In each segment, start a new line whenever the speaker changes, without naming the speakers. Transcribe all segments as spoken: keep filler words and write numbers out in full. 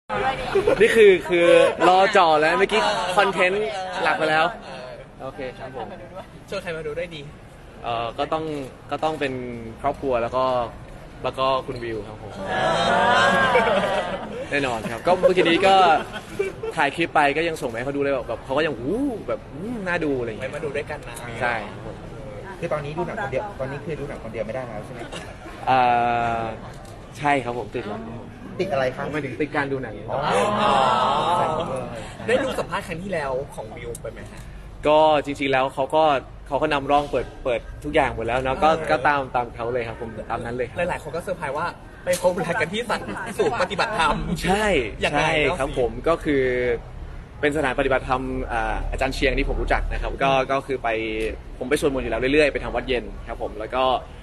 นี่คือคือรอจ่อแล้วเมื่อกี้คอนเทนต์หลักไปแล้วโอเคครับผม
ชวนใครมาดูด้วยดี
เอ่อก็ต้องก็ต้องเป็นครอบครัวแล้วก็แล้วก็คุณวิวครับผมแน่นอนครับก็เมื่อกี้นี้ก็ถ่ายคลิปไปก็ยังส่งไปให้เขาดูเลยแบบเขาก็ยังอู้แบบน่าดูอะไรอย่าง
ไม่
เงี้ย
มาดูด้วยกันนะ
ใช่
คือตอนนี้ดูหนังคนเดียวตอนนี้คือดูหนังคนเดียวไม่ได้แล้วใช่ไหม
อ่าใช่ครับผมติดแล้ว
ติดอะไรครับ
ไม่ถึงติดการดูหนัง
อ๋อ
ได้ดูสัมภาษณ์ครั้งที่แล้วของวิวไปไหมฮะ
ก็จริงๆแล้วเขาก็เขาก็นำร่องเปิดเปิดทุกอย่างหมดแล้วเนาะก็ก็ตามตามเขาเลยครับผมตามนั้นเลย
หลายๆคนก็เซอร์ไพรส์ว่าไปพบรักกันที่สัตว์สูตรปฏิบัติธรรม
ใช่ใช่ครับผมก็คือเป็นสถานปฏิบัติธรรมอาจารย์เชียงที่ผมรู้จักนะครับก็ก็คือไปผมไปสวดมนต์อยู่แล้วเรื่อยๆไปทำวัดเย็นครับผมแล้วก็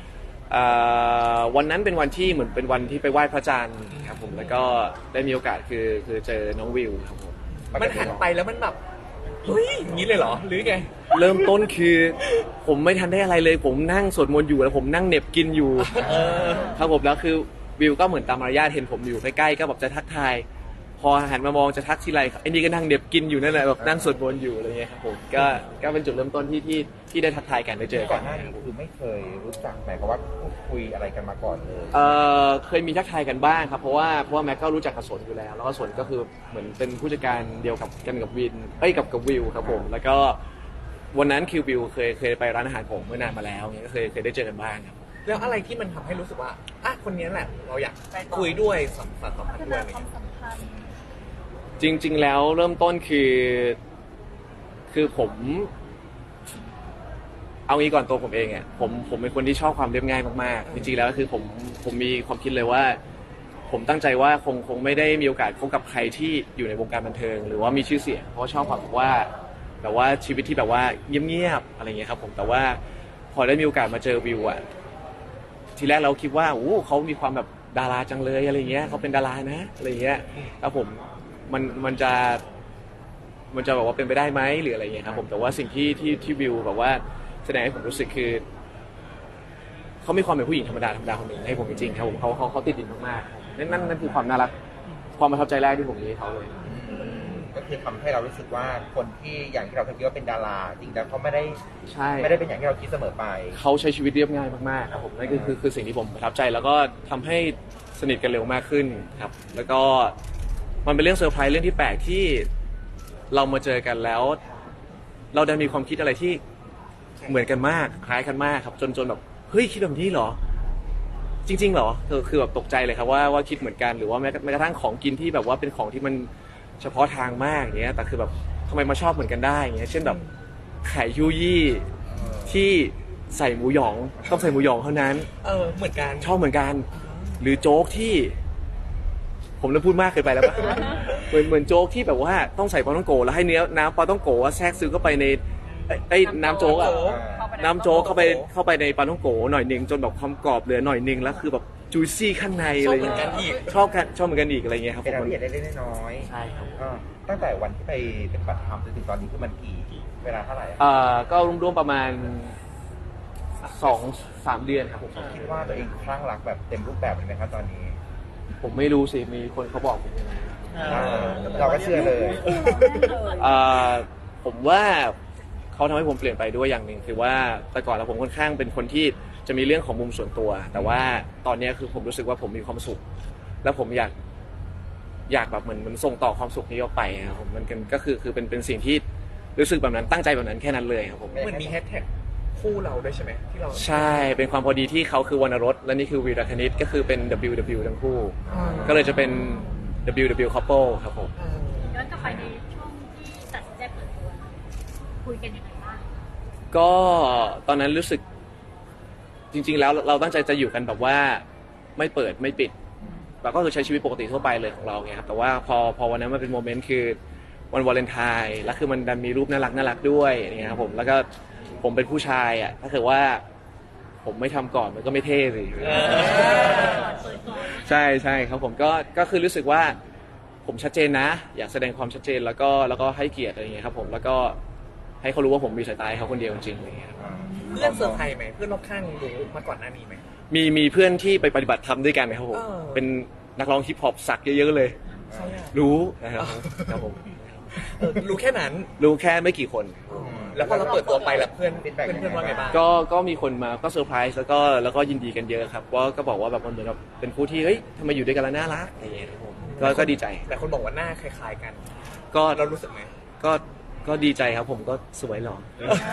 วันนั้นเป็นวันที่เหมือนเป็นวันที่ไปไหว้พระจันทร์ครับผมแล้วก็ได้มีโอกาสคือคือเจอน้องวิวครับผม
มันหันไปแล้วมันแบบเฮ้ยอย่างนี้เลยเหรอหรือไง
เริ่มต้นคือผมไม่ทันได้อะไรเลยผมนั่งสวดมนต์อยู่แล้วผมนั่งเหน็บกินอยู่ครับผมแล้วคือวิวก็เหมือนตามมารยาทเห็นผมอยู่ใกล้ๆก็แบบจะทักทายพอหันมามองจะทักทีไรไอ้นี่ก็นั่งเหน็บกินอยู่นั่นแหละแบบนั่งสวดมนต์อยู่อะไรเงี้ยครับผมก็ก็เป็นจุดเริ่มต้นที่ที่ที่ได้ทักทายกันได้เจอกัน
ก่อนหน้านี้คือไม่เคยรู้จักหมายความว่าพูดคุยอะไรกันมาก่อนเลย
เออเคยมีทักทายกันบ้างครับเพราะว่าเพราะว่าแม็กก็รู้จักกับสนอยู่แล้วแล้วก็สนก็คือเหมือนเป็นผู้จัดการเดียวกับกันกับวินเอ้ยกับกับวิวครับผมแล้วก็วันนั้นคิววิวเคยเคยไปร้านอาหารผมเมื่อนานมาแล้วเงี้ยก็เคยเคยได้เจอกันบ้างครับ
แล้วอะไรที่มันทำให้รู้สึกว่าอ่ะคนนี้แหละเราอยากคุยด้วยสัมพันธ์สัมพันธ์ด้วยอะไรเงี้ย
จริงๆแล้วเริ่มต้นคือคือผมเอางี้ก่อนตัวผมเองอ่ะผมผมเป็นคนที่ชอบความเรียบง่ายมากๆจริงๆแล้วคือผมผมมีความคิดเลยว่าผมตั้งใจว่าคงคงไม่ได้มีโอกาสพบกับใครที่อยู่ในวงการบันเทิงหรือว่ามีชื่อเสียงเพราะชอบแบบว่าแบบว่าชีวิตที่แบบว่าเงียบๆอะไรเงี้ยครับผมแต่ว่าพอได้มีโอกาสมาเจอวิวอ่ะทีแรกเราคิดว่าโอ้เขามีความแบบดาราจังเลยอะไรเงี้ยเขาเป็นดารานะอะไรเงี้ยครับผมมันมันจะมันจะแบบว่าเป็นไปได้ไหมหรืออะไรอย่างเงี้ยครับผมแต่ว่าสิ่งที่ที่ที่วิวแบบว่าแสดงให้ผมรู้สึกคือเขามีความเป็นผู้หญิงธรรมดาธรรมดาคนหนึ่งให้ผมจริงๆครับผมเขาเขาเขาติดดินมากๆนั่นนั่นนั่นคือความน่ารักความประทับใจแรกที่ผมมีให้เขาเลย
ก็คือทำให้เรารู้สึกว่าคนที่อย่างที่เราคิดว่าเป็นดาราจริงๆแล้วเขาไม่ได้
ใช่
ไม่ได้เป็นอย่างที่เราคิดเสมอไป
เขาใช้ชีวิตเรียบง่ายมากๆครับผมนั่นคือคือคือสิ่งที่ผมประทับใจแล้วก็ทำให้สนิทกันเร็วมากขึ้นครับแล้วก็มันเป็นเรื่องเซอร์ไพรส์เรื่องที่แปลกที่เรามาเจอกันแล้วเราได้มีความคิดอะไรที่เหมือนกันมากคล้ายกันมากครับจนจนแบบเฮ้ยคิดแบบนี้เหรอจริงๆเหรอคือคือแบบตกใจเลยครับว่าว่าคิดเหมือนกันหรือว่าแม้แม้กระทั่งของกินที่แบบว่าเป็นของที่มันเฉพาะทางมากอย่างเงี้ยแต่คือแบบทำไมมาชอบเหมือนกันได้อย่างเงี้ยเช่นแบบไข่ยูยี่ที่ใส่หมูหยองต้องใส่หมูหยองเท่านั้น
เออเหมือนกัน
ชอบเหมือนกันหรือโจ๊กที่ผมเริ่มพูดมากเกินไปแล้วปะเหมือนเหมือนโจ๊กที่แบบว่าต้องใส่ปลาต้องโกแล้วให้เนื้อน้ำปลาต้องโกแทรกซึมเข้าไปในไอ้น้ำโจ๊กอ่ะน้ำโจ๊กเข้าไปเข้าไปในปลาต้องโกหน่อยนึงจนแบบความกรอบเหลือหน่อยนึงแล้วคือแบบจุยซี่ข้างในอะไรอย่างเงี้ยชอบกันชอบเหมือนกันอีกอะไรเงี้ยครับ
เป็นอะไรที่เล็กๆน้อย
ๆใช่ครับ
ตั้งแต่วันที่ไปเป็นปฏิบัติธรรมจนถึงตอนนี้คือมันกี่เวลาเท่าไหร่
อ่าก็รวมๆประมาณสองสามเดือนครับผม
คิดว่าตัวเองคลั่งรักแบบเต็มรูปแบบเลยไหมครับตอนนี้
ผมไม่รู้สิมีคนเขาบอกผม
เราก็เชื่อเลย
ผมว่าเขาทำให้ผมเปลี่ยนไปด้วยอย่างหนึ่งคือว่าแต่ก่อนเราผมค่อนข้างเป็นคนที่จะมีเรื่องของมุมส่วนตัวแต่ว่าตอนนี้คือผมรู้สึกว่าผมมีความสุขแล้วผมอยากอยากแบบเหมือนมันส่งต่อความสุขนี้ออกไปครับผมมันก็คือคือเป็นเป็นสิ่งที่รู้สึกแบบนั้นตั้งใจแบบนั้นแค่นั้นเลยครับผม
เหมือนมีแฮชแท็กคู่เราด้วยใช่ไหมที่เรา
ใช่เป็นความพอดีที่เขาคือวรรณรสและนี่คือวีรคณิตก็คือเป็น ดับเบิลยู ดับเบิลยู ทั้งคู่ก็เลยจะเป็น ดับเบิลยู ดับเบิลยู couple ครับผม
ย้อนกลับไปในช่วงที่ตัดสินใจเปิดตัวคุยกันยังไงบ้าง
ก็ตอนนั้นรู้สึกจริงๆแล้วเราตั้งใจจะอยู่กันแบบว่าไม่เปิดไม่ปิดเราก็คือใช้ชีวิตปกติทั่วไปเลยของเราไงครับแต่ว่าพอพอวันนั้นมันเป็นโมเมนต์คือวันวาเลนไทน์แล้วคือมันดันมีรูปน่ารักน่ารักด้วยอย่างเงี้ยครับผมแล้วก็ผมเป็นผู้ชายอ่ะถ้าเกิดว่าผมไม่ทำก่อนมันก็ไม่เท่สิใช่ใช่ครับผมก็ก็คือรู้สึกว่าผมชัดเจนนะอยากแสดงความชัดเจนแล้วก็แล้วก็ให้เกียรติอะไรเงี้ยครับผมแล้วก็ให้เขารู้ว่าผมมีสายตาเขาคนเดียวจริงๆอะไรเงี้ย
เพื่อนเซอร์ไพรส์ไหมเพื่อนรอบข้างรู้มาก่อนหน้านี้ไหม
มีมีเพื่อนที่ไปปฏิบัติธรรมด้วยกันนะครับผมเป็นนักร้องฮิปฮอปสักเยอะๆเลยรู้นะครับครับผม
เออรู้แค่นั้น
รู้แค่ไม่กี่คน
แล้วพอเราเปิดตัวไปแล้วเพื่อนเพื่อนเพื่อนว่าไงบ้าง
ก็ก็มีคนมาก็เซอร์ไพรส์แล้วก็แล้วก็ยินดีกันเยอะครับว่าก็บอกว่าแบบมันเหมือนแบบเป็นคู่ที่เฮ้ยทำไมอยู่ด้วยกันแล้วน่ารักอะไรอย่างเงี้ยครับผมก็ก็ดีใจ
แต่คนบอกว่าหน้าคล้ายๆกัน
ก็
เรารู้สึกไหม
ก็ก็ดีใจครับผมก็สวยหล่อ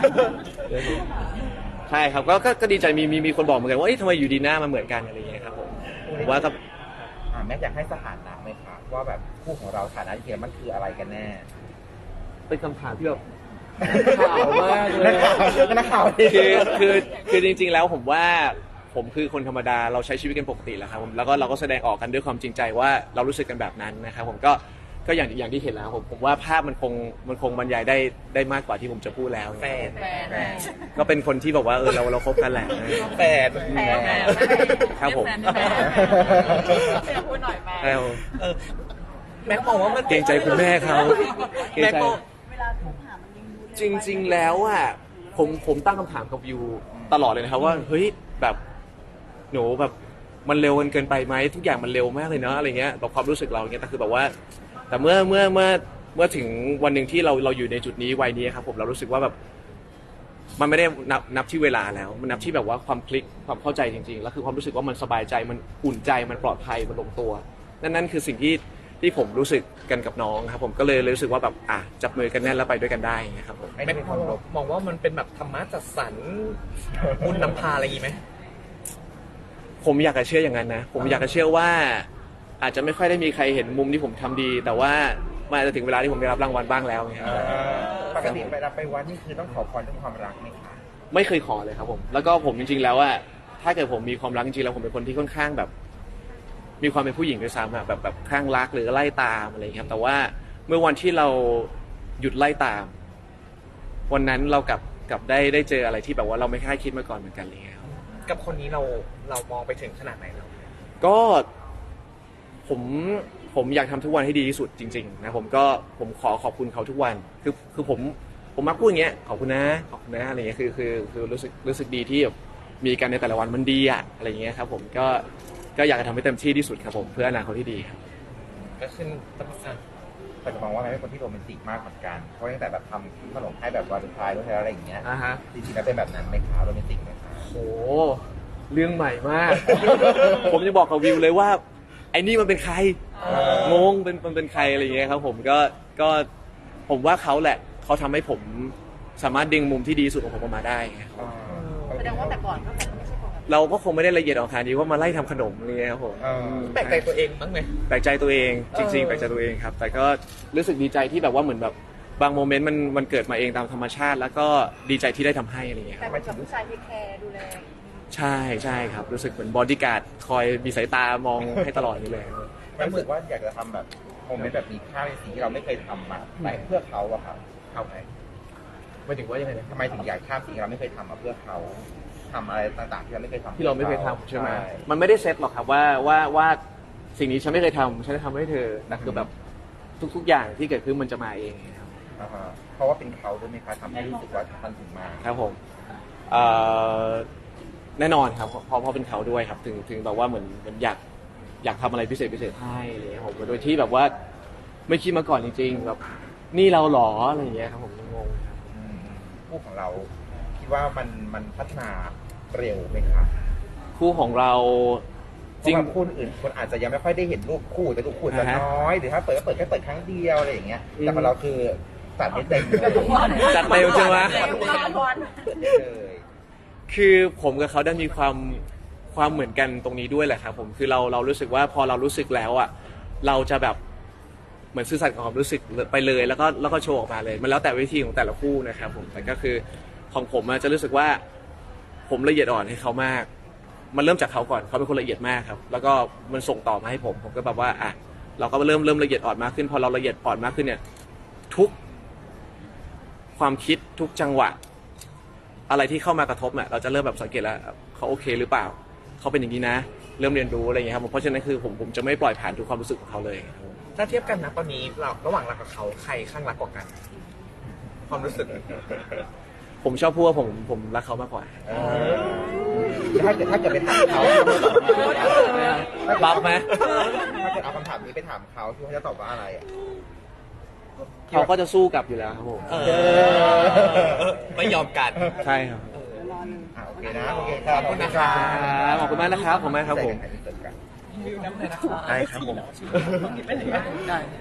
ใช่ครับก็ก็ก็ดีใจมีมีมีคนบอกเหมือนกันว่าเอ้ยทำไมอยู่ดีหน้ามันเหมือนกันอะไรอย่างเงี้ยครับผมผมว่าก็
อ่าแม่อยากให้สถานะไหมคะว่าแบบคู่ของเราสถานะจริงๆมันคืออะไรกันแน่
เป็นคำถามที่แบบข่าวมากเลย
นักข่าว
คือคือคือจริงๆแล้วผมว่าผมคือคนธรรมดาเราใช้ชีวิตกันปกติแหละครับผมแล้วก็เราก็แสดงออกกันด้วยความจริงใจว่าเรารู้สึกกันแบบนั้นนะครับผมก็ก็อย่างอย่างที่เห็นแล้วผมผมว่าภาพมันคงมันคงบรรยายได้ได้มากกว่าที่ผมจะพูดแล้ว
แฟน
แฟน
ก็เป็นคนที่บอกว่าเออเราเราคบกันแหละ
แฟน
แฟนแฟน
ครับผม
แฟนแฟนพูดหน่อยแม่
เออ
เออแม็กมองว่ามัน
เกรงใจคุณแม่เขาเกรง
แม็ก
ใจ
มอง
เวลาคบหามันยังดู
จริง ๆ แล้วอ่ะผมผมตั้งคำถามกับวิวตลอดเลยนะครับว่าเฮ้ยแบบหนูแบบมันเร็วกันเกินไปไหมทุกอย่างมันเร็วมากเลยเนาะอะไรเงี้ยแบบความรู้สึกเราเงี้ยแต่คือแบบว่า แต่เมื่อเมื่อเมื่อเมื่อถึงวันหนึ่งที่เราเราอยู่ในจุดนี้วัยนี้ครับผมเรารู้สึกว่าแบบมันไม่ได้นับนับที่เวลาแล้วมันนับที่แบบว่าความคลิกความเข้าใจจริงๆแล้วคือความรู้สึกว่ามันสบายใจมันอุ่นใจมันปลอดภัยมันลงตัวนั่นนั่นคือสิ่งที่ที่ผมรู้สึกกันกับน้องครับผมก็เลยรู้สึกว่าแบบอ่ะจับมือกันแน่นแล้วไปด้วยกันได้นะครับผม
ไม่
แม็
ได้
ก
เป็น
ม
ค
อง
วามลบ
มองว่ามันเป็นแบบธรรมะจัดสรรบุญนำพาอะไรอย่างงี้ไหม
ผมอยากจะเชื่ออย่างนั้นนะผมอยากจะเชื่อว่าอาจจะไม่ค่อยได้มีใครเห็นมุมที่ผมทำดี แต่ว่ามันอาจจะถึงเวลาที่ผมได้รับรางวัลบ้างแล้วไงครับ
ปกติเวลาไปวัดนี่คือต้องขอพรเรื่องความรักไหมคะ
ไม่เคยขอเลยครับผมแล้วก็ผมจริงๆแล้วว่าถ้าเกิดผมมีความรักจริงๆแล้วผมเป็นคนที่ค่อนข้างแบบ มีความเป็นผู้หญิงด้วยซ้ำอะแบบแบบคลั่งรักหรือไล่ตามอะไรอย่างเงี้ยครับแต่ว่าเมื่อวันที่เราหยุดไล่ตาม วันนั้นเรากลับกลับได้ได้เจออะไรที่แบบว่าเราไม่คาดคิดมาก่อนเหมือนกันอะไรเลยครับ
กับคนนี้เราเรามองไปถึงขนาดไหนแล้ว
ก็ผมผมอยากทำทุกวันให้ดีที่สุดจริงๆนะผมก็ผมขอขอบคุณเขาทุกวันคือคือผมผมมักพูดอย่างเงี้ยขอบคุณนะขอบคุณนะอะไรเงี้ยคือคือคือรู้สึกรู้สึกดีที่แบบมีกันในแต่ละวันมันดีอะอะไรเงี้ยครับผมก็ก็อยากจะทำให้เต็มที่ที่สุดครับผมเพื่ออนาคตที่ดีครับ
ก็ขึ้นตำอ่ะ
แต่จะมองว่าแม่เป็นคนที่โรแมนติกมากเหมือนกันเพราะตั้งแต่แบบทำขนมให้แบบวาเลนไทน์ด้วยอะไรอย่างเงี้ย
อ่าฮะ
จริงๆแล้วเป็นแบบนั้นไหมคะโรแมนติกไหมคะ
โอ้เรื่องใหม่มาก ผมจะบอกกับวิวเลยว่าไอ้นี่มันเป็นใครงงเป็นมันเป็นใครอะไรเงี้ยครับผมก็ก็ผมว่าเขาแหละเขาทำให้ผมสามารถดึงมุมที่ดีสุดของผมออกมาได้ไงครับ
แสดงว่าแต่ก่อนก็แบบไม่ใช่ปกติ
เราก็คงไม่ได้ละเอียดอ่อนขนาดนี้ว่ามาไล่ทำขนมอะไรเงี้ยครับผม
เออ
แปลกใจตัวเองบ้างไหม
แปลกใจตัวเองจริง
เออ
ๆแปลกใจตัวเองครับ แต่ก็รู้สึกดีใจที่แบบว่าเหมือนแบบบางโมเมนต์มันมันเกิดมาเองตามธรรมชาติ แล้วก็ดีใจที่ได้ทำให้อะไรเงี้ยค
แต่
รับ
เป็นกับผู้ชายที่แคร์ดูแล
ใช่ใช่ครับรู้สึกเหมือนบอดี้การ์ดคอยมีสายตามองให้ตลอดนี่เลย
ไม่รู้สึกว่าอยากจะทำแบบโมเมนต์แบบมีค่าในสิ่งที่เราไม่เคยทำมาแต่เพื่อเขาอะครับเขาไหม
หมายถึงว่ายังไงนะ
ทำไมถึงอยากข้ามสิ่งที่เราไม่เคยทำมาเพื่อเขาทำอะไรต่างๆที่เราไม่เคยทำ
ที่เราไม่เคยทำใช่ไหมมันไม่ได้เซตหรอกครับว่าว่าว่าสิ่งนี้ฉันไม่เคยทำฉันจะทำให้เธอแต่คือแบบทุก ๆ อย่างที่เกิดขึ้นมันจะมาเองครับ
อ่าฮะเพราะว่าเป็นเขาด้วยไหมคะทำให้รู้สึกว่ามันถึงมา
ครับผมเอ่อแน่นอนครับเพราะเพราะเป็นเขาด้วยครับถึงถึงแบบว่าเหมือนเหมือนอยากอยากทำอะไรพิเศษพิเศษให้อะไรอย่างเลยผมโดยที่แบบว่าไม่คิดมาก่อนจริงๆแบบนี่เราหรออะไรอย่างเงี้ยครับผมงงครับ
อืมคู่ของเราคิดว่ามันมันพัฒนาเร็วไหมคะ
คู่ของเราจ
จริ
ริ
ง
ง
คู่อื่นคนอาจจะยังไม่ค่อยได้เห็นรูปคู่แต่รูปคู่จะ
อ่าฮะ
น้อยหรือถ้าเปิดก็เปิดแค่เปิดครั้งเดียวอะไรอย่างเงี้ย
อืม
แต่ของเราคือตัดไม่เต็มเลย
จัดเต็มใช่ไหม
เร็วมากบอล
เปิดได้เลย
คือผมกับเขาได้มีความความเหมือนกันตรงนี้ด้วยแหละครับผมคือเราเรารู้สึกว่าพอเรารู้สึกแล้วอ่ะเราจะแบบเหมือนซื่อสัตย์กับความรู้สึกไปเลยแล้วก็แล้วก็โชว์ออกมาเลย มันแล้วแต่วิธีของแต่ละคู่นะครับผมแต่ก็คือของผมอะจะรู้สึกว่าผมละเอียดอ่อนให้เขามาก มันเริ่มจากเขาก่อนเขาเป็นคนละเอียดมากครับ แล้วก็มันส่งต่อมาให้ผมผมก็แบบว่าอ่ะเราก็เริ่มเริ่มละเอียดอ่อนมากขึ้น พอเราละเอียดอ่อนมากขึ้นเนี่ย ทุกความคิดทุกจังหวะ อะไรที่เข้ามากระทบเนี่ยเราจะเริ่มแบบสังเกตแล้วเขาโอเคหรือเปล่าเขาเป็นอย่างนี้นะ เริ่มเรียนรู้อะไรอย่างเงี้ยครับผมเพราะฉะนั้นคือผมผมจะไม่ปล่อยผ่านทุกความรู้สึกของเขาเลย
ถ้าเทียบกันนะตอนนี้เราระหว่างเรากับเขาใครข้างรักกว่ากัน ความรู้สึก
ผมชอบพูดว่าผมผมรักเขามากกว่า
เออถ้าเกิดถ้าเกิดไปถามเขา
รับไหม
ถ้าเกิดคนเอาคำถามนี้ไปถามเขาที่เขาจะตอบว่าอะไรอ่ะ
เขาก็จะสู้กลับอยู่แล้วครับผม
เออไม่ยอมกัน
ใช่ครับ
อ่าโอเคนะโอเคครับ
ขอบคุณนะครับ
ครับขอบคุณมากนะครับขอบคุณมากครับผม
ใส่กัน
ได้ครับผม